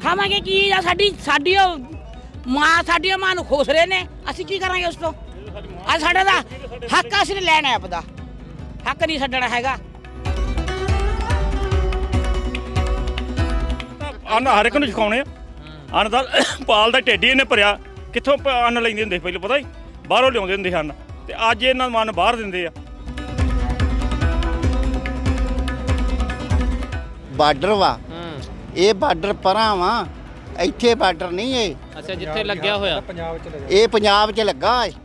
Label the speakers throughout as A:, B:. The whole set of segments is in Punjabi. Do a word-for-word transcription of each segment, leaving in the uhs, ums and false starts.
A: ਖਾਵਾਂਗੇ ਕੀ ਆ? ਸਾਡੀ ਸਾਡੀ ਉਹ ਮਾਂ ਸਾਡੀਆਂ ਮਾਂ ਨੂੰ ਖੋਸ ਰਹੇ ਨੇ, ਅਸੀਂ ਕੀ ਕਰਾਂਗੇ ਉਸ ਤੋਂ? ਆ ਸਾਡਾ ਦਾ ਹੱਕ ਅਸੀਂ ਲੈਣਾ ਹੈ, ਆਪਦਾ ਹੱਕ ਨਹੀਂ ਛੱਡਣਾ ਹੈਗਾ।
B: ਅੰਨ ਹਰ ਇੱਕ ਨੂੰ ਸਿਖਾਉਣੇ ਆ। ਅੰਨ ਦਾ ਪਾਲ ਦਾ ਢਿੱਡ ਹੀ ਇਹਨੇ ਭਰਿਆ, ਕਿੱਥੋਂ ਅੰਨ ਲੈਂਦੇ ਹੁੰਦੇ ਪਹਿਲਾਂ ਪਤਾ ਹੀ ਬਾਹਰੋਂ ਲਿਆਉਂਦੇ ਹੁੰਦੇ ਹਨ, ਤੇ ਅੱਜ ਇਹਨਾਂ ਨੂੰ ਅੰਨ ਬਾਹਰ ਦਿੰਦੇ ਆ।
C: ਬਾਰਡਰ ਵਾ ਇਹ, ਬਾਰਡਰ ਪਰਾਂ ਵਾ, ਇੱਥੇ ਬਾਰਡਰ ਨਹੀਂ ਇਹ।
D: ਅੱਛਾ, ਜਿੱਥੇ ਲੱਗਿਆ ਹੋਇਆ
C: ਇਹ ਪੰਜਾਬ 'ਚ ਲੱਗਾ ਹੈ।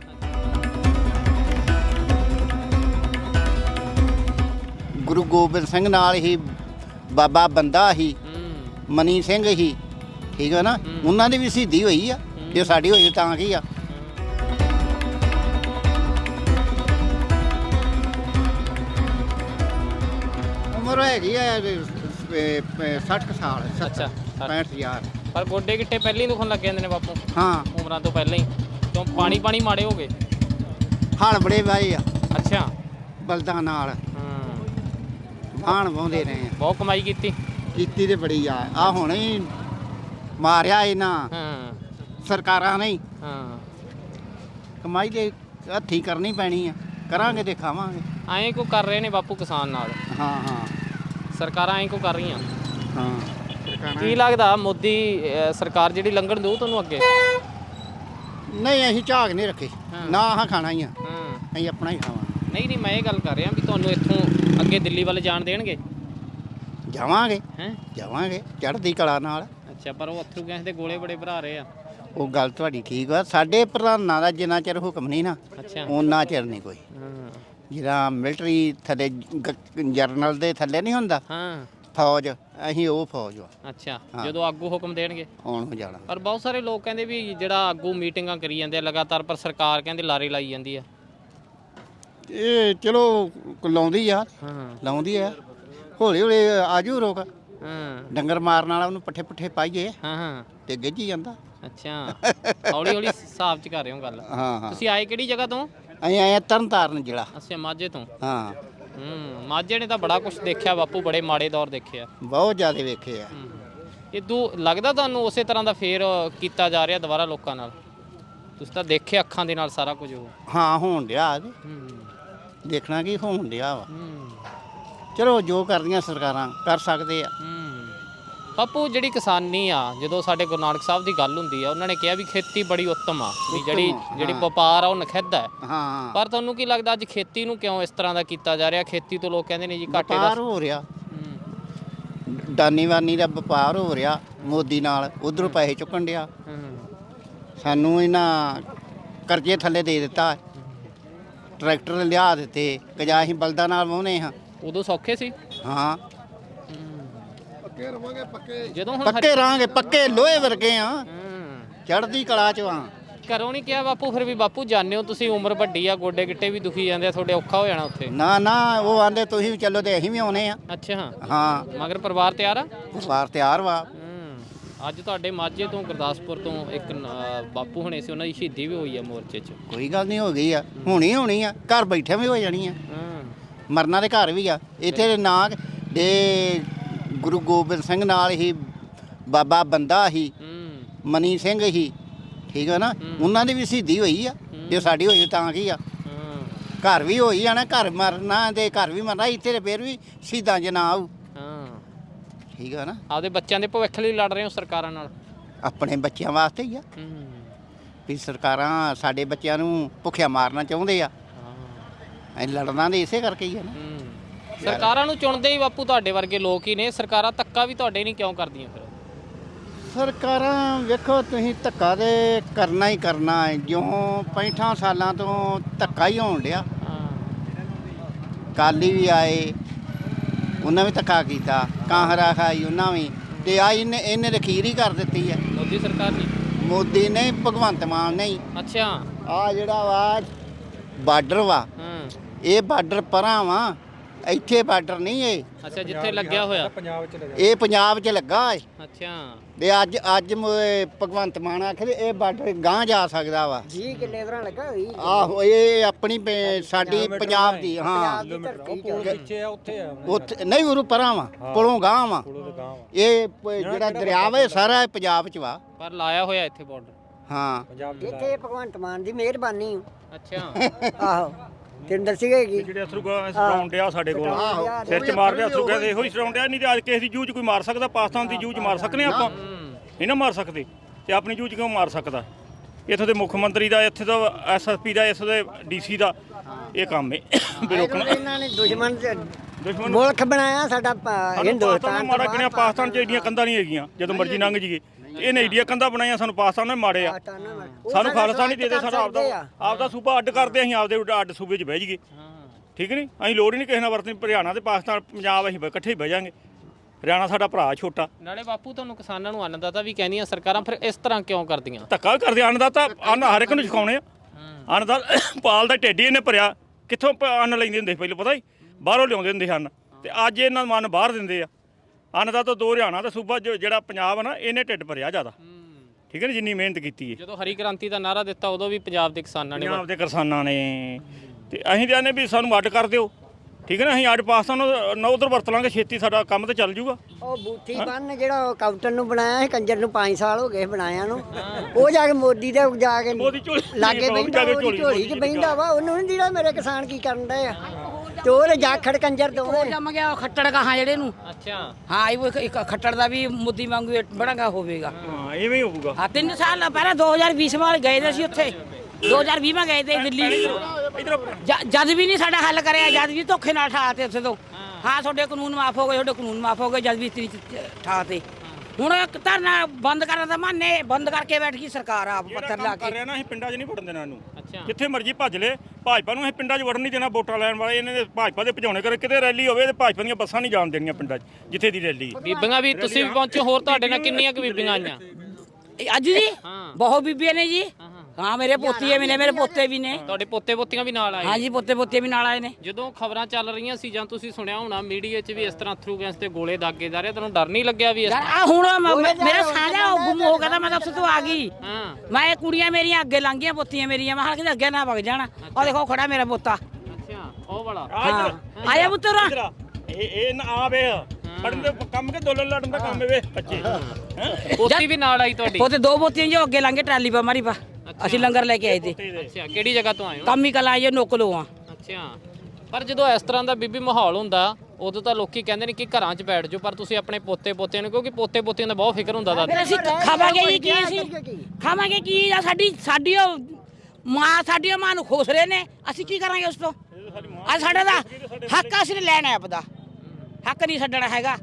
C: ਗੁਰੂ ਗੋਬਿੰਦ ਸਿੰਘ ਨਾਲ ਹੀ ਬਾਬਾ ਬੰਦਾ ਹੀ, ਮਨੀ ਸਿੰਘ ਹੀ, ਠੀਕ ਹੈ ਨਾ, ਉਹਨਾਂ ਦੀ ਵੀ ਸ਼ਹੀਦੀ ਹੋਈ ਆ। ਜੇ ਸਾਡੀ ਹੋਈ ਤਾਂ ਕੀ ਆ? ਉਮਰ ਹੈਗੀ ਆ ਸੱਠ ਕੁ ਸਾਲ।
D: ਅੱਛਾ,
C: ਪੈਂਹਠ ਹਜ਼ਾਰ।
D: ਪਰ ਗੋਡੇ ਗਿੱਟੇ ਪਹਿਲਾਂ ਹੀ ਦੁਖਣ ਲੱਗ ਜਾਂਦੇ ਨੇ ਬਾਪੂ,
C: ਹਾਂ,
D: ਉਮਰਾਂ ਤੋਂ ਪਹਿਲਾਂ ਹੀ। ਕਿਉਂ ਪਾਣੀ ਪਾਣੀ ਮਾੜੇ ਹੋ ਗਏ?
C: ਹਲ ਬੜੇ ਵਾਏ ਆ
D: ਅੱਛਾ,
C: ਬਲਦਾਂ ਨਾਲ,
D: ਹਾਂ,
C: ਬਾਣ ਵਾਉਂਦੇ ਰਹੇ ਆ।
D: ਬਹੁਤ ਕਮਾਈ ਕੀਤੀ।
C: ਕੀਤੀ ਤੇ ਬੜੀ ਆ। ਆ ਹੁਣ ਹੀ ਮਾਰਿਆ ਇਹਨਾਂ
D: ਹਾਂ
C: ਸਰਕਾਰਾਂ ਨੇ।
D: ਹਾਂ,
C: ਕਮਾਈ ਦੇ ਹੱਥੀਂ ਕਰਨੀ ਪੈਣੀ ਆ, ਕਰਾਂਗੇ ਤੇ ਖਾਵਾਂਗੇ।
D: ਐਂ ਕੋ ਕਰ ਰਹੇ ਨੇ ਬਾਪੂ ਕਿਸਾਨ ਨਾਲ,
C: ਹਾਂ ਹਾਂ
D: ਸਰਕਾਰਾਂ ਐਂ ਕੋ ਕਰ ਰਹੀਆਂ।
C: ਹਾਂ
D: ਕੀ ਲੱਗਦਾ ਮੋਦੀ ਅਹ, ਸਰਕਾਰ ਜਿਹੜੀ ਲੰਘਣ ਦਊ ਤੁਹਾਨੂੰ ਅੱਗੇ?
C: ਨਹੀਂ, ਅਸੀਂ ਝਾਕ ਨਹੀਂ ਰੱਖੇ ਨਾ, ਆਹ ਖਾਣਾ ਹੀ ਆ,
D: ਹਾਂ,
C: ਅਸੀਂ ਆਪਣਾ ਹੀ ਖਾਵਾਂਗੇ।
D: ਨਹੀਂ ਨਹੀਂ, ਮੈਂ ਇਹ ਗੱਲ ਕਰ ਰਿਹਾ ਵੀ ਤੁਹਾਨੂੰ ਇੱਥੋਂ ਅੱਗੇ ਦਿੱਲੀ ਵੱਲ ਜਾਣ ਦੇਣਗੇ?
C: ਜਾਵਾਂਗੇ
D: ਹੈਂ?
C: ਜਾਵਾਂਗੇ ਚੜ੍ਹਦੀ ਕਲਾ ਨਾਲ।
D: ਅੱਛਾ, ਪਰ ਉਹ ਅਥਰੂ ਗੈਸ ਦੇ ਗੋਲੇ ਬੜੇ ਭਰਾ ਰਹੇ ਆ।
C: ਉਹ ਗੱਲ ਤੁਹਾਡੀ ਠੀਕ ਆ। ਸਾਡੇ ਪ੍ਰਧਾਨਾਂ ਦਾ ਜਿੰਨਾ ਚਿਰ ਹੁਕਮ ਨਹੀਂ ਨਾ,
D: ਅੱਛਾ,
C: ਉਹਨਾਂ ਚਿਰ ਨਹੀਂ ਕੋਈ।
D: ਹਾਂ
C: ਜਿਹੜਾ ਮਿਲਟਰੀ ਥੱਲੇ ਜਰਨਲ ਦੇ ਥੱਲੇ ਨਹੀਂ ਹੁੰਦਾ
D: ਹਾਂ,
C: ਫੌਜ, ਅਸੀਂ ਉਹ ਫੌਜ ਆ।
D: ਅੱਛਾ,
C: ਹਾਂ।
D: ਜਦੋਂ ਆਗੂ ਹੁਕਮ ਦੇਣਗੇ
C: ਆਉਣ ਹੋ ਜਾਣਾ।
D: ਪਰ ਬਹੁਤ ਸਾਰੇ ਲੋਕ ਕਹਿੰਦੇ ਵੀ ਜਿਹੜਾ ਆਗੂ ਮੀਟਿੰਗਾਂ ਕਰੀ ਜਾਂਦੇ ਆ ਲਗਾਤਾਰ, ਪਰ ਸਰਕਾਰ ਕਹਿੰਦੇ ਲਾਰੇ ਲਾਈ ਜਾਂਦੀ ਆ।
C: ਇਹ ਚਲੋ ਲਾਉਂਦੀ ਆ,
D: ਹਾਂ
C: ਲਾਉਂਦੀ ਆ, ਹੌਲੀ ਹੌਲੀ ਆਜੂ ਰੋਕ।
D: ਹਾਂ
C: ਡੰਗਰ ਮਾਰਨ ਵਾਲਾ ਉਹਨੂੰ ਪੱਠੇ ਪੁੱਠੇ ਪਾਈਏ
D: ਹਾਂ ਹਾਂ,
C: ਤੇ ਗਿੱਜੀ ਜਾਂਦਾ।
D: ਅੱਛਾ, ਹੌਲੀ ਹੌਲੀ ਹਿਸਾਬ ਚ ਕਰ ਰਹੇ ਹੋ ਗੱਲ।
C: ਹਾਂ ਹਾਂ,
D: ਤੁਸੀਂ ਆਏ ਕਿਹੜੀ ਜਗ੍ਹਾ ਤੋਂ?
C: ਅਸੀਂ ਆਏ ਆ ਤਰਨ ਤਾਰਨ ਜ਼ਿਲ੍ਹਾ।
D: ਅੱਛਾ, ਮਾਝੇ ਤੋਂ।
C: ਹਾਂ,
D: ਹੂੰ, ਮਾਝੇ ਨੇ ਤਾਂ ਬੜਾ ਕੁਝ ਦੇਖਿਆ ਬਾਪੂ, ਬੜੇ ਮਾੜੇ ਦੌਰ ਦੇਖੇ ਆ।
C: ਬਹੁਤ ਜ਼ਿਆਦਾ ਵੇਖੇ ਆ।
D: ਇਦੋਂ ਲੱਗਦਾ ਤੁਹਾਨੂੰ ਉਸੇ ਤਰ੍ਹਾਂ ਦਾ ਫੇਰ ਕੀਤਾ ਜਾ ਰਿਹਾ ਦੁਬਾਰਾ ਲੋਕਾਂ ਨਾਲ? ਤੁਸੀਂ ਤਾਂ ਦੇਖਿਆ ਅੱਖਾਂ ਦੇ ਨਾਲ ਸਾਰਾ ਕੁਝ ਉਹ।
C: ਹਾਂ, ਹੋਣ ਡਿਆ ਜੀ,
D: ਹੂੰ
C: ਦੇਖਣਾ ਕੀ ਹੋਣ ਡਿਆ ਵਾ।
D: ਹੂੰ
C: ਚਲੋ ਜੋ ਕਰਦੀਆਂ ਸਰਕਾਰਾਂ ਕਰ ਸਕਦੇ ਆ।
D: ਹੂੰ। ਬਾਪੂ ਜਿਹੜੀ ਕਿਸਾਨੀ ਆ, ਜਦੋਂ ਸਾਡੇ ਗੁਰੂ ਨਾਨਕ ਸਾਹਿਬ ਦੀ ਗੱਲ ਹੁੰਦੀ ਆ, ਉਹਨਾਂ ਨੇ ਕਿਹਾ ਵੀ ਖੇਤੀ ਬੜੀ ਉੱਤਮ ਆ, ਵੀ ਜਿਹੜੀ ਜਿਹੜੀ ਵਪਾਰ ਆ ਉਹ ਨਖਿੱਧ ਹੈ।
C: ਹਾਂ,
D: ਪਰ ਤੁਹਾਨੂੰ ਕੀ ਲੱਗਦਾ ਅੱਜ ਖੇਤੀ ਨੂੰ ਕਿਉਂ ਇਸ ਤਰ੍ਹਾਂ ਦਾ ਕੀਤਾ ਜਾ ਰਿਹਾ? ਖੇਤੀ ਤੋਂ ਲੋਕ ਕਹਿੰਦੇ ਨੇ ਜੀ ਘਾਟੇ ਦਾ।
C: ਵਪਾਰ ਹੋ ਰਿਹਾ,
D: ਹੂੰ
C: ਦਾਨੀ ਵਾਨੀ ਦਾ ਵਪਾਰ ਹੋ ਰਿਹਾ ਮੋਦੀ ਨਾਲ, ਉਧਰੋਂ ਪੈਸੇ ਚੁੱਕਣ ਡਿਆ।
D: ਹੂੰ
C: ਸਾਨੂੰ ਇਹਨਾਂ ਕਰਜ਼ੇ ਥੱਲੇ ਦੇ ਦਿੱਤਾ, ਟਰੈਕਟਰ ਲਿਆ ਦਿੱਤੇ, ਕਜਾ ਅਸੀਂ ਬਲਦਾਂ ਨਾਲ ਵਾਹੁੰਦੇ ਹਾਂ।
D: ਉਦੋਂ ਸੌਖੇ ਸੀ।
C: ਹਾਂ,
E: ਪੱਕੇ ਰਵਾਂਗੇ, ਪੱਕੇ।
D: ਜਦੋਂ ਹੁਣ
C: ਪੱਕੇ ਰਾਂਗੇ, ਪੱਕੇ ਲੋਹੇ ਵਰਗੇ ਆ,
D: ਹੂੰ
C: ਚੜ੍ਹਦੀ ਕਲਾ ਚ ਆ।
D: ਘਰੋਂ ਨਹੀਂ ਕਿਹਾ ਬਾਪੂ ਫਿਰ ਵੀ? ਬਾਪੂ ਜਾਣਦੇ ਹੋ ਤੁਸੀਂ, ਉਮਰ ਵੱਡੀ ਆ, ਗੋਡੇ ਗਿੱਟੇ ਵੀ ਦੁਖੀ ਜਾਂਦੇ ਆ, ਤੁਹਾਡੇ ਔਖਾ ਹੋ ਜਾਣਾ ਉੱਥੇ।
C: ਨਾ ਨਾ, ਉਹ ਆਂਦੇ ਤੁਸੀਂ ਵੀ ਚੱਲੋ ਤੇ ਅਸੀਂ ਵੀ ਆਉਨੇ ਆ।
D: ਅੱਛਾ, ਹਾਂ,
C: ਹਾਂ,
D: ਮਗਰ ਪਰਿਵਾਰ ਤਿਆਰ ਆ?
C: ਪਰਿਵਾਰ ਤਿਆਰ ਵਾ।
D: ਹੂੰ। ਅੱਜ ਤੁਹਾਡੇ ਮਾਝੇ ਤੋਂ, ਗੁਰਦਾਸਪੁਰ ਤੋਂ ਇੱਕ ਅ, ਬਾਪੂ ਹੁਣੇ ਸੀ, ਉਹਨਾਂ ਦੀ ਸ਼ਹੀਦੀ ਵੀ ਹੋਈ ਆ ਮੋਰਚੇ 'ਚ।
C: ਕੋਈ ਗੱਲ ਨਹੀਂ, ਹੋ ਗਈ ਆ, ਹੋਣੀ ਹੋਣੀ ਆ, ਘਰ ਬੈਠੇ ਵੀ ਹੋ ਜਾਣੀ ਆ,
D: ਹਾਂ,
C: ਮਰਨਾ ਦੇ ਘਰ ਵੀ ਆ। ਇੱਥੇ ਦੇ ਨਾਂ ਦੇ ਗੁਰੂ ਗੋਬਿੰਦ ਸਿੰਘ ਨਾਲ ਹੀ ਬਾਬਾ ਬੰਦਾ ਹੀ,
D: ਹੂੰ
C: ਮਨੀ ਸਿੰਘ ਹੀ, ਠੀਕ ਹੈ ਨਾ, ਉਹਨਾਂ ਦੀ ਵੀ ਸ਼ਹੀਦੀ ਹੋਈ ਆ। ਜੇ ਸਾਡੀ ਹੋਈ ਤਾਂ ਕੀ ਆ?
D: ਹਾਂ
C: ਘਰ ਵੀ ਹੋਈ ਜਾਣਾ, ਘਰ ਮਰਨਾ ਤੇ ਘਰ ਵੀ ਮਰਨਾ, ਇੱਥੇ ਤੇ ਫਿਰ ਵੀ ਸ਼ਹੀਦਾਂ 'ਚ ਨਾ ਆਊ,
D: ਹਾਂ।
C: ਠੀਕ ਹੈ ਨਾ।
D: ਆਪਦੇ ਬੱਚਿਆਂ ਦੇ ਭਵਿੱਖ ਲਈ ਲੜ ਰਹੇ ਹੋ ਸਰਕਾਰਾਂ ਨਾਲ?
C: ਆਪਣੇ ਬੱਚਿਆਂ ਵਾਸਤੇ ਹੀ ਆ
D: ਹੂੰ
C: ਵੀ ਸਰਕਾਰਾਂ ਸਾਡੇ ਬੱਚਿਆਂ ਨੂੰ ਭੁੱਖਿਆ ਮਾਰਨਾ ਚਾਹੁੰਦੇ ਆ।
D: ਹਾਂ
C: ਅਸੀਂ ਲੜਨਾ ਦੇ ਇਸੇ ਕਰਕੇ ਹੀ ਆ ਨਾ।
D: ਹੂੰ। ਸਰਕਾਰਾਂ ਨੂੰ ਚੁਣਦੇ ਹੀ ਬਾਪੂ ਤੁਹਾਡੇ ਵਰਗੇ ਲੋਕ ਹੀ ਨੇ, ਸਰਕਾਰਾਂ ਧੱਕਾ ਵੀ ਤੁਹਾਡੇ ਨਹੀਂ ਕਿਉਂ ਕਰਦੀਆਂ ਫਿਰ?
C: ਸਰਕਾਰਾਂ ਵੇਖੋ, ਤੁਸੀਂ ਧੱਕਾ ਤੇ ਕਰਨਾ ਹੀ ਕਰਨਾ ਹੈ, ਜਿਉਂ ਪੈਂਠਾਂ ਸਾਲਾਂ ਤੋਂ ਧੱਕਾ ਹੀ ਹੋਣ ਡਿਆ।
D: ਹਾਂ
C: ਕਾਲੀ ਵੀ ਆਏ, ਉਹਨਾਂ ਵੀ ਧੱਕਾ ਕੀਤਾ, ਕਾਂਹਰਾ ਖਾਈ ਉਹਨਾਂ ਵੀ, ਤੇ ਆ ਇਹਨੇ ਇਹਨੇ ਤਾਂ ਖੀਰ ਹੀ ਕਰ ਦਿੱਤੀ ਹੈ
D: ਮੋਦੀ ਸਰਕਾਰ ਨੇ।
C: ਮੋਦੀ ਨੇ, ਭਗਵੰਤ ਮਾਨ ਨੇ।
D: ਅੱਛਾ,
C: ਆ ਜਿਹੜਾ ਵਾ ਬਾਰਡਰ ਵਾ,
D: ਹਾਂ
C: ਇਹ ਬਾਰਡਰ ਪਰਾਂ ਵਾ, ਇੱਥੇ ਬਾਰਡਰ ਨਹੀਂ ਇਹ
D: ਅੱਛਾ ਜਿੱਥੇ ਲੱਗਿਆ ਹੋਇਆ
C: ਇਹ ਪੰਜਾਬ 'ਚ ਲੱਗਾ ਏ
D: ਅੱਛਾ
C: ਤੇ ਅੱਜ ਅੱਜ ਮ- ਇਹ ਭਗਵੰਤ ਮਾਨ ਆਖਦੇ ਇਹ ਬਾਰਡਰ ਗਾਂਹ ਜਾ ਸਕਦਾ ਵਾ
F: ਜੀ ਕਿੱਲੇ ਤਰ੍ਹਾਂ ਲੱਗਾ ਹੋਈ
C: ਆਹੋ ਇਹ ਆਪਣੀ ਪੇ- ਸਾਡੀ ਪੰਜਾਬ ਦੀ ਹਾਂ
F: ਧਰਤੀ
C: ਉੱਥੇ ਨਹੀਂ ਉਰੂ ਪਰਾਂ ਵਾ ਪੁਲੋਂ ਗਾਂਹ ਵਾ ਇਹ ਪ- ਜਿਹੜਾ ਦਰਿਆ ਵਾ ਇਹ ਸਾਰਾ ਪੰਜਾਬ 'ਚ ਵਾ
D: ਪਰ ਲਾਇਆ ਹੋਇਆ ਇੱਥੇ ਬਾਰਡਰ
C: ਹਾਂ
F: ਇੱਥੇ ਭਗਵੰਤ ਮਾਨ ਦੀ ਮਿਹਰਬਾਨੀ
D: ਅੱਛਾ
F: ਆਹੋ ਤੈਨੂੰ ਦੱਸੀਏਗੀ
B: ਜਿਹੜੇ ਅਥਰੂ ਸਰਾਉਂਡ ਆ ਸਾਡੇ ਕੋਲ ਸਿਰ 'ਚ ਮਾਰਦੇ ਅਥਰੂ ਕਹਿੰਦੇ ਇਹੋ ਹੀ ਸਰਾਉਂਡ ਆ ਨਹੀਂ ਤੇ ਅੱਜ ਕਿਸੇ ਦੀ ਜੂਝ ਕੋਈ ਮਾਰ ਸਕਦਾ ਪਾਕਿਸਤਾਨ ਦੀ ਜੂਝ ਮਾਰ ਸਕਨੇ ਆਪਾਂ ਨਹੀਂ ਨਾ ਮਾਰ ਸਕਦੇ ਤੇ ਆਪਣੀ ਜੂਝ ਕਿਉਂ ਮਾਰ ਸਕਦਾ ਇੱਥੋਂ ਦੇ ਮੁੱਖ ਮੰਤਰੀ ਦਾ ਇੱਥੇ ਦਾ ਐਸਐਸਪੀ ਦਾ ਇੱਥੋਂ ਦੇ ਡੀਸੀ ਦਾ ਇਹ ਕੰਮ ਹੈ ਵੀ ਰੋਕਣਾ
F: ਇਹਨਾਂ ਨੇ ਦੁਸ਼ਮਣ
B: ਦੁਸ਼ਮਣ
F: ਮੁਲਕ ਬਣਾਇਆ ਸਾਡਾ ਪ-
B: ਪਾਕਿਸਤਾਨ
F: ਹਿੰਦੁਸਤਾਨ
B: ਮਾੜਾ ਕਿਹਨਾਂ ਪਾਕਿਸਤਾਨ 'ਚ ਏਡੀਆਂ ਕੰਧਾਂ ਨਹੀਂ ਹੈਗੀਆਂ ਜਦੋਂ ਮਰਜ਼ੀ ਲੰਘ ਜੀਏ ਇਹਨੇ ਏਡੀਆਂ ਕੰਧਾਂ ਬਣਾਈਆਂ ਸਾਨੂੰ ਪਾਕਿਸਤਾਨ ਨੇ ਮਾੜੇ ਆ ਸਾਨੂੰ ਖਾਲਸਾ ਨਹੀਂ ਦੇਦੇ ਸਾਡਾ ਆਪਦਾ ਆਪਦਾ ਸੂਬਾ ਅੱਡ ਕਰਦੇ ਅਸੀਂ ਆਪਦੇ ਅੱਡ ਸੂਬੇ 'ਚ ਬਹਿ ਜਾਈਏ ਠੀਕ ਨਹੀਂ ਅਸੀਂ ਲੋੜ ਹੀ ਨਹੀਂ ਕਿਸੇ ਨਾਲ ਵਰਤਣੀ ਹਰਿਆਣਾ ਤੇ ਪਾਕਿਸਤਾਨ ਪੰਜਾਬ ਅਸੀਂ ਇਕੱਠੇ ਹੀ ਬਹਿ ਜਾਾਂਗੇ ਹਰਿਆਣਾ ਸਾਡਾ ਭਰਾ ਛੋਟਾ
D: ਨਾਲੇ ਬਾਪੂ ਤੁਹਾਨੂੰ ਕਿਸਾਨਾਂ ਨੂੰ ਅੰਨਦਾਤਾ ਵੀ ਕਹਿੰਦੀਆਂ ਸਰਕਾਰਾਂ ਫਿਰ ਇਸ ਤਰ੍ਹਾਂ ਕਿਉਂ ਕਰਦੀਆਂ
B: ਧੱਕਾ ਕਰਦੇ ਅੰਨਦਾਤਾ ਅੰਨ ਹਰ ਇੱਕ ਨੂੰ ਸਿਖਾਉਣੇ ਆ ਅੰਨ ਦਾ ਪਾਲ ਦਾ ਢਿੱਡ ਹੀ ਇਹਨੇ ਭਰਿਆ ਕਿੱਥੋਂ ਪ- ਅੰਨ ਲੈਂਦੇ ਹੁੰਦੇ ਸੀ ਪਹਿਲਾਂ ਪਤਾ ਹੀ ਬਾਹਰੋਂ ਲਿਆਉਂਦੇ ਹੁੰਦੇ ਸੀ ਅੰਨ ਤੇ ਅੱਜ ਇਹਨਾਂ ਨੂੰ ਅੰਨ ਬਾਹਰ ਦਿੰਦੇ ਆ ਅੰਨ ਦਾ ਤਾਂ ਦੋ ਹਰਿਆਣਾ ਤੇ ਸੂਬਾ ਜੋ- ਜਿਹੜਾ ਪੰਜਾਬ ਆ ਨਾ ਇਹਨੇ ਢਿੱਡ ਭਰਿਆ ਜ਼ਿਆਦਾ ਠੀਕ ਹੈ ਨਾ ਜਿੰਨੀ ਮਿਹਨਤ ਕੀਤੀ ਹੈ
D: ਜਦੋਂ ਹਰੀ ਕ੍ਰਾਂਤੀ ਦਾ ਨਾਰਾ ਦਿੱਤਾ ਉਦੋਂ ਵੀ ਪੰਜਾਬ ਦੇ ਕਿਸਾਨਾਂ ਨੇ
B: ਪੰਜਾਬ ਦੇ ਕਿਸਾਨਾਂ ਨੇ ਤੇ ਅਸੀਂ ਤੇ ਆਨੇ ਵੀ ਸਾਨੂੰ ਅੱਡ ਕਰ ਦਿਓ ਠੀਕ ਹੈ ਨਾ ਅਸੀਂ ਅੱਡ ਪਾਕਿਸਤਾਨ ਨੂੰ ਨਾ ਉਧਰ ਵਰਤ ਲਾਂਗੇ ਛੇਤੀ ਸਾਡਾ ਕੰਮ ਤੇ ਚੱਲ ਜੂਗਾ
F: ਉਹ ਬੂਥੀ ਬੰਨ ਜਿਹੜਾ ਉਹ ਕੈਪਟਨ ਨੂੰ ਬਣਾਇਆ ਸੀ ਕੰਜਰ ਨੂੰ ਪੰਜ ਸਾਲ ਹੋ ਗਏ ਬਣਾਇਆ ਨੂੰ ਉਹ ਜਾ ਕੇ ਮੋਦੀ ਦੇ ਜਾ ਕੇ
B: ਮੋਦੀ ਝੋਲੀ
F: ਲਾਗੇ
B: ਉਹ
F: ਬੈਠਾ
B: ਜਾ ਕੇ
F: ਉਹਦੀ
B: ਝੋਲੀ-
F: ਝੋਲੀ 'ਚ ਬੈਠਾ ਵਾ ਉਹਨੂੰ ਨਹੀਂ ਜਿਹੜਾ ਮੇਰੇ ਕਿਸਾਨ ਕੀ ਕਰਨ ਡਏ ਆ ਤੇ ਉਹ ਜਾਖੜ ਕੰਜਰ ਦੋਵੇਂ
A: ਜੰਮ ਗਿਆ ਉਹ ਖੱਟੜ ਕਹਾਂ ਜਿਹੜੇ ਨੂੰ
D: ਅੱਛਾ
A: ਹਾਂ ਇਹ ਇੱਕ- ਇੱਕ ਖੱਟੜ ਦਾ ਵੀ ਮੁੱਦੀ ਵਾਂਗੂ ਬੜਾਗਾ ਹੋਵੇਗਾ
B: ਹਾਂ ਐਵੇਂ ਹੀ ਹੋਊਗਾ
A: ਹਾਂ ਤਿੰਨ ਸਾਲ ਪਹਿਲਾਂ ਦੋ ਹਜ਼ਾਰ ਵੀਹ ਵਾਲ ਗਏ ਤੇ ਅਸੀਂ ਉੱਥੇ ਦੋ ਹਜ਼ਾਰ ਵੀਹ ਮਾ ਗਏ ਤੇ ਦਿੱਲੀ
B: ਇਧਰ
A: ਜ- ਜਦ ਵੀ ਨਹੀਂ ਸਾਡਾ ਹੱਲ ਕਰਿਆ ਜਦ ਵੀ ਧੋਖੇ ਨਾਲ ਠਾਤੇ ਉੱਥੇ ਤੋਂ ਹਾਂ ਤੁਹਾਡੇ ਕਾਨੂੰਨ ਮਾਫ ਹੋ ਗਏ ਤੁਹਾਡੇ ਕਾਨੂੰਨ ਮਾਫ ਹੋ ਗਏ ਜਦ ਵੀ ਇਤਨੀ ਠਾਤੇ ਹੁਣ ਇੱਕ ਧਰਨਾ ਬੰਦ ਕਰਨ ਦਾ ਮਾਨੇ ਬੰਦ ਕਰਕੇ ਬੈਠ ਗਈ ਸਰਕਾਰ ਆਪ ਪੱਤਰ ਲਾ
B: ਕਰ
A: ਕੇ
B: ਰਿਹਾ ਨਾ ਅਸੀਂ ਪਿੰਡਾਂ 'ਚ ਨਹੀਂ ਵੜਨ ਦੇਣਾ ਇਹਨੂੰ
D: ਅੱਛਾ
B: ਜਿੱਥੇ ਮਰਜ਼ੀ ਭੱਜ ਲੈ ਭਾਜਪਾ ਨੂੰ ਅਸੀਂ ਪਿੰਡਾਂ 'ਚ ਵੜਨ ਨਹੀਂ ਦੇਣਾ ਵੋਟਾਂ ਲੈਣ ਵਾਲੇ ਇਹਨਾਂ ਦੇ ਭਾਜਪਾ ਦੇ ਭਜਾਉਣੇ ਕਰ ਕਿਤੇ ਰੈਲੀ ਹੋਵੇ ਤੇ ਭਾਜਪਾ ਦੀਆਂ ਬੱਸਾਂ ਨਹੀਂ ਜਾਣ ਦੇਣੀਆਂ ਪਿੰਡਾਂ 'ਚ ਜਿੱਥੇ ਦੀ ਰੈਲੀ
D: ਬੀਬੀਆਂ ਵੀ ਤੁਸੀਂ ਵੀ ਪਹੁੰਚੋ ਹੋਰ ਤੁਹਾਡੇ ਨਾਲ ਕਿੰਨੀਆਂ ਕੁ ਬੀਬੀਆਂ ਆਈਆਂ
A: ਇਹ ਅੱਜ ਜੀ
D: ਹਾਂ।
A: ਬਹੁਤ ਬੀਬੀਆਂ ਨੇ ਜੀ ਹਾਂ ਮੇਰੇ ਪੋਤੀਏ ਵੀ ਨੇ ਮੇਰੇ ਪੋਤੇ ਵੀ ਨੇ
D: ਤੁਹਾਡੇ ਪੋਤੇ ਪੋਤੀਆਂ ਵੀ ਨਾਲ ਆਏ
A: ਹਾਂ ਜੀ ਪੋਤੇ ਪੋਤੀਆਂ ਵੀ ਨਾਲ ਆਏ ਨੇ
D: ਜਦੋਂ ਖਬਰਾਂ ਚੱਲ ਰਹੀਆਂ ਸੀ ਜਾਂ ਤੁਸੀਂ ਸੁਣਿਆ ਹੋਣਾ ਮੀਡੀਆ 'ਚ ਵੀ ਇਸ ਤਰ੍ਹਾਂ ਥਰੂ ਗੈਸ ਤੇ ਗੋਲੇ ਦਾਗੇ ਜਾ ਰਹੇ ਤੁਹਾਨੂੰ ਡਰ ਨਹੀਂ ਲੱਗਿਆ ਵੀ ਇਸ
A: ਯਾਰ ਆ ਹੁਣ ਮ- ਮ- ਮੇਰਾ ਸਾਂਝਾ ਗੁੰਮ ਹੋ ਗਿਆ ਤਾਂ ਮੈਂ ਤਾਂ ਉੱਥੇ ਤੋਂ ਆ ਗਈ
D: ਹਾਂ
A: ਮੈਂ ਇਹ ਕੁੜੀਆਂ ਮੇਰੀਆਂ ਅੱਗੇ ਲੰਘੀਆਂ ਪੋਤੀਆਂ ਮੇਰੀਆਂ ਮੈਂ ਕਿਹਾ ਅੱਗੇ ਨਾ ਵਗ ਜਾਣਾ ਉਹ ਦੇਖੋ ਖੜਾ ਮੇਰਾ ਪੋਤਾ
D: ਅੱਛਾ ਉਹ ਵਾਲਾ
A: ਹਾਂ ਆਇਆ ਪੁੱਤਰਾ
B: ਇਹ ਇਹ ਨਾ ਆ ਵੇ ਫੜਨ ਦੇ ਕੰਮ ਕੇ ਦੋਲਨ ਲੜਨ ਦਾ ਕੰਮ ਵੇ ਬੱਚੇ
D: ਪੋਤੀ ਵੀ ਨਾਲ ਆਈ ਤੁਹਾਡੀ
A: ਪੋਤੇ ਦੋ ਪੋਤੀਆਂ ਜੋ ਅੱਗੇ ਲੰਘੇ ਟਰਾਲੀ ਪਾ ਮਾਰੀ ਪਾ ਅਸੀਂ ਲੰਗਰ ਲੈ ਕੇ ਆਏ ਤੇ
D: ਅੱਛਾ ਕਿਹੜੀ ਜਗ੍ਹਾ ਤੋਂ ਆਏ ਹੋ
A: ਕੰਮ ਹੀ ਕਲਾ ਇਹ ਨੋਕਲੋ ਆ
D: ਅੱਛਾ ਪਰ ਜਦੋਂ ਇਸ ਤਰ੍ਹਾਂ ਦਾ ਬੀਬੀ ਮਾਹੌਲ ਹੁੰਦਾ ਉਦੋਂ ਤਾਂ ਲੋਕੀ ਕਹਿੰਦੇ ਨੇ ਕਿ ਘਰਾਂ 'ਚ ਬੈਠ ਜਾਓ ਪਰ ਤੁਸੀਂ ਆਪਣੇ ਪੋਤੇ ਪੋਤਿਆਂ ਨੂੰ ਕਿਉਂਕਿ ਪੋਤੇ ਪੋਤਿਆਂ ਦਾ ਬਹੁਤ ਫਿਕਰ ਹੁੰਦਾ ਦਾਦੀ
A: ਫਿਰ ਅਸੀਂ ਖਾਵਾਂਗੇ ਜੀ ਕੀ ਅਸੀਂ ਖਾਵਾਂਗੇ ਕੀ ਆ ਸਾਡੀ ਸਾਡੀ ਉਹ ਮਾਂ ਸਾਡੀਆਂ ਮਾਂ ਨੂੰ ਖੋਸ ਰਹੇ ਨੇ ਅਸੀਂ ਕੀ ਕਰਾਂਗੇ ਉਸ ਤੋਂ ਅੱਜ ਸਾਡਾ ਦਾ ਹੱਕ ਅਸੀਂ ਲੈਣਾ ਹੈ ਆਪਦਾ ਹੱਕ ਨਹੀਂ ਛੱਡਣਾ ਹੈਗਾ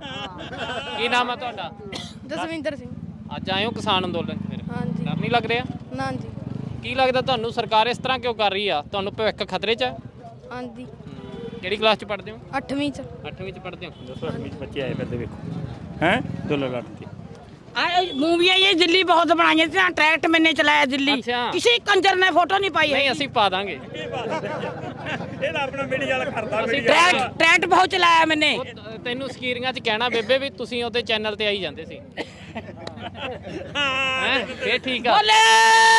D: ਕੀ ਨਾਮ ਹੈ ਤੁਹਾਡਾ
G: ਜਸਵਿੰਦਰ ਸਿੰਘ
D: ਅੱਜ ਆਏ ਹੋ ਕਿਸਾਨ ਅੰਦੋਲਨ 'ਚ ਫਿਰ
G: ਹਾਂਜੀ
D: ਡਰ ਨਹੀਂ ਲੱਗ ਰਿਹਾ
G: ਨਾਂ ਜੀ
D: ਕੀ ਲੱਗਦਾ ਤੁਹਾਨੂੰ ਸਰਕਾਰ ਇਸ ਤਰ੍ਹਾਂ ਕਿਉਂ ਕਰ ਰਹੀ ਆ ਤੁਹਾਨੂੰ ਭਵਿੱਖ ਖਤਰੇ 'ਚ ਹੈ
G: ਹਾਂਜੀ
D: ਕਿਹੜੀ ਕਲਾਸ 'ਚ ਪੜ੍ਹਦੇ ਹੋ
G: ਅੱਠਵੀਂ ਚ
D: ਅੱਠਵੀਂ 'ਚ ਪੜ੍ਹਦੇ ਹੋ
B: ਦੱਸੋ ਅਸਮੀ ਬੱਚੇ ਆਏ ਫਿਰਦੇ ਵੇਖੋ ਹੈ ਦੋਲਨ ਲੜਨ ਤੇ
A: ਆ ਮੂਵੀਆਂ ਇਹ ਦਿੱਲੀ ਬਹੁਤ ਬਣਾਈਆਂ ਸੀ ਟਰੈਕਟ ਮੈਨੇ ਚਲਾਇਆ ਦਿੱਲੀ
D: ਅੱਛਾ।
A: ਕਿਸੇ ਕੰਜਰ ਨੇ ਫੋਟੋ ਨਹੀਂ ਪਾਈ
D: ਨਹੀਂ ਅਸੀਂ ਪਾ ਦਾਂਗੇ
B: ਇਹਦਾ ਆਪਣਾ ਮੀਡੀਆ ਵਾਲਾ ਕਰਦਾ ਮੀਡੀਆ
A: ਟਰੈਕਟ ਟਰੈਕਟ ਬਹੁਤ ਚਲਾਇਆ ਮੈਨੇ
D: ਉਹ ਤ- ਤੈਨੂੰ ਸਕੀਰੀਆਂ 'ਚ ਕਹਿਣਾ ਬੇਬੇ ਵੀ ਤੁਸੀਂ ਉਹਦੇ ਚੈਨਲ ਤੇ ਆਈ ਜਾਂਦੇ ਸੀ ਹੈ ਫੇਰ ਠੀਕ ਆ
A: ਬੋਲੇ